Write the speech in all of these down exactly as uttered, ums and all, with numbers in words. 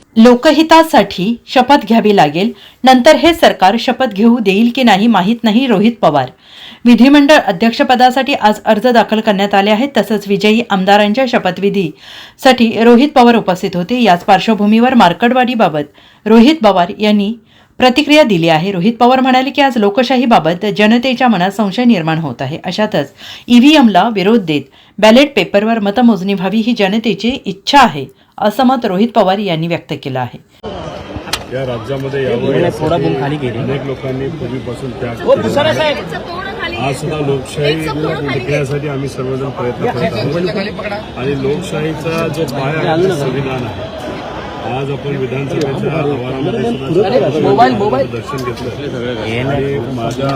लोकहितासाठी शपथ घ्यावी लागेल, नंतर हे सरकार शपथ घेऊ देईल की नाही माहीत नाही. रोहित पवार. विधिमंडळ अध्यक्षपदासाठी आज अर्ज दाखल करण्यात आले आहेत. तसंच विजयी आमदारांच्या शपथविधीसाठी रोहित पवार उपस्थित होते. याच पार्श्वभूमीवर मार्कडवाडीबाबत रोहित पवार यांनी प्रतिक्रिया दिली आहे. रोहित पवार म्हणाले की आज लोकशाहीबाबत जनतेच्या मनात संशय निर्माण होत आहे. अशातच ईव्हीएमला विरोध देत बॅलेट पेपरवर मतमोजणी व्हावी ही जनतेची इच्छा आहे, असं मत रोहित पवार यांनी व्यक्त केलं आहे. या राज्यामध्ये अनेक लोकांनी पूर्वीपासून त्याग आज सुद्धा लोकशाही टिकण्यासाठी आम्ही सर्वजण प्रयत्न करत आहोत आणि लोकशाहीचा जो पाया आहे संविधान आहे. आज आपण विधानसभेच्या आवारामध्ये सुद्धा दर्शन घेतलं आणि माझ्या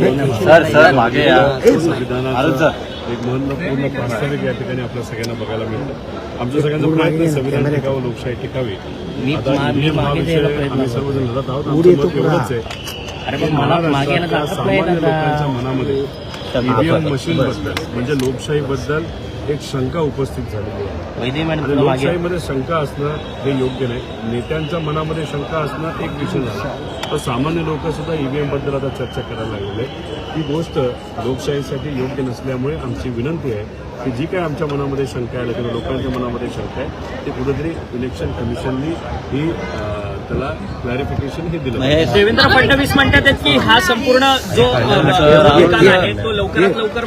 संविधानाचा एक महत्वपूर्ण प्रास्ताविक या ठिकाणी आपल्या सगळ्यांना बघायला मिळतं. आमच्या सगळ्यांचा प्रयत्न संविधान टिकावं, लोकशाही टिकावी. आता आम्ही सर्वजण लढत आहोत. आमचं मत एवढंच आहे, महाराष्ट्रातल्या सामान्य लोकांच्या मनामध्ये ईव्हीएम मशीन बद्दल म्हणजे लोकशाही बद्दल एक शंका उपस्थित झालेली आहे. लोकशाहीमध्ये शंका असणं हे योग्य नाही. नेत्यांच्या मनामध्ये शंका असणं एक विषय झाला, तर सामान्य लोक सुद्धा ईव्हीएम बद्दल आता चर्चा करायला लागलेले. ही गोष्ट लोकशाहीसाठी योग्य नसल्यामुळे आमची विनंती आहे की जी काय आमच्या मनामध्ये शंका आहे किंवा लोकांच्या मनामध्ये शंका आहे ते कुठेतरी इलेक्शन कमिशननी ही त्याला क्लॅरिफिकेशन हे दिलं. देवेंद्र फडणवीस म्हणतात की हा संपूर्ण जो निकाल आहे तो लवकरात लवकर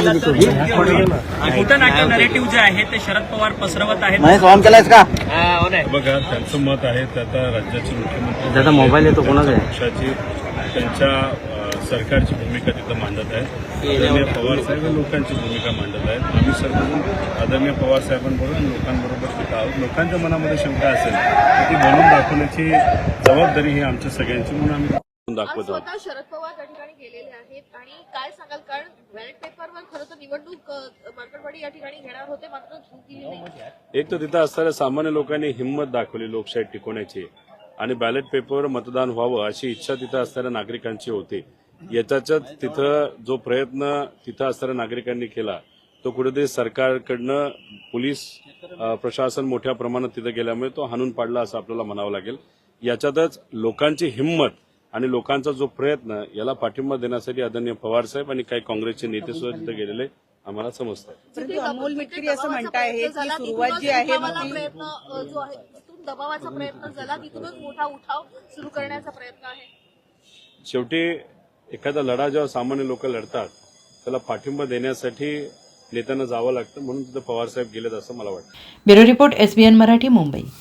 खोटं नाट्य नरेटिव्ह जे आहे ते शरद पवार पसरवत आहेत. बघा, त्यांचं मत आहे ते आता राज्याचे मुख्यमंत्री त्याचा मोबाईल येतो कोणाचा पक्षाची त्यांच्या सरकारची भूमिका तिथं मांडत आहेत. आदरणीय पवार साहेब लोकांची भूमिका मांडत आहेत. आम्ही सर्वजण आदरणीय पवार साहेबांबरोबर लोकांबरोबर तिथं आहोत. लोकांच्या मनामध्ये शंका असेल तर ती बनवून दाखवण्याची जबाबदारी ही आमच्या सगळ्यांची, म्हणून आम्ही दाखवतो. शरद पवार त्या ठिकाणी गेलेले आहेत आणि काय सांगाल, कारण बॅलेट पेपरवर खरं तर निवडणूक मार्कडवाडी या ठिकाणी घेणार होते, मात्र झूक दिली नाही. एक तर तिथं असणाऱ्या सामान्य लोकांनी हिंमत दाखवली लोकशाही टिकवण्याची आणि बॅलेट पेपरवर मतदान व्हावं अशी इच्छा तिथं असणाऱ्या नागरिकांची होती. याच्यात तिथं जो प्रयत्न तिथं असणाऱ्या नागरिकांनी केला तो कुठेतरी सरकारकडनं पोलीस प्रशासन मोठ्या प्रमाणात तिथं गेल्यामुळे तो हाणून पाडला असं आपल्याला म्हणावं लागेल. याच्यातच लोकांची हिंमत आणि लोकांचा जो प्रयत्न याला पाठिंबा देण्यासाठी आदरणीय पवार साहेब आणि काही काँग्रेसचे नेते सुद्धा तिथे गेलेले आम्हाला समजतात. अमोल मिटकरी असं म्हणताय की सुरुवात जी आहे प्रयत्न जो आहे तिथून दबावाचा प्रयत्न झाला, तिथूनच मोठा उठाव सुरू करण्याचा प्रयत्न आहे. शेवटी एखादा लढा जेव्हा सामान्य लोक लढतात त्याला पाठिंबा देण्यासाठी नेत्यांना जावं लागतं, म्हणून तिथं पवार साहेब गेलेत असं मला वाटतं. Bureau report, SBN Marathi, Mumbai.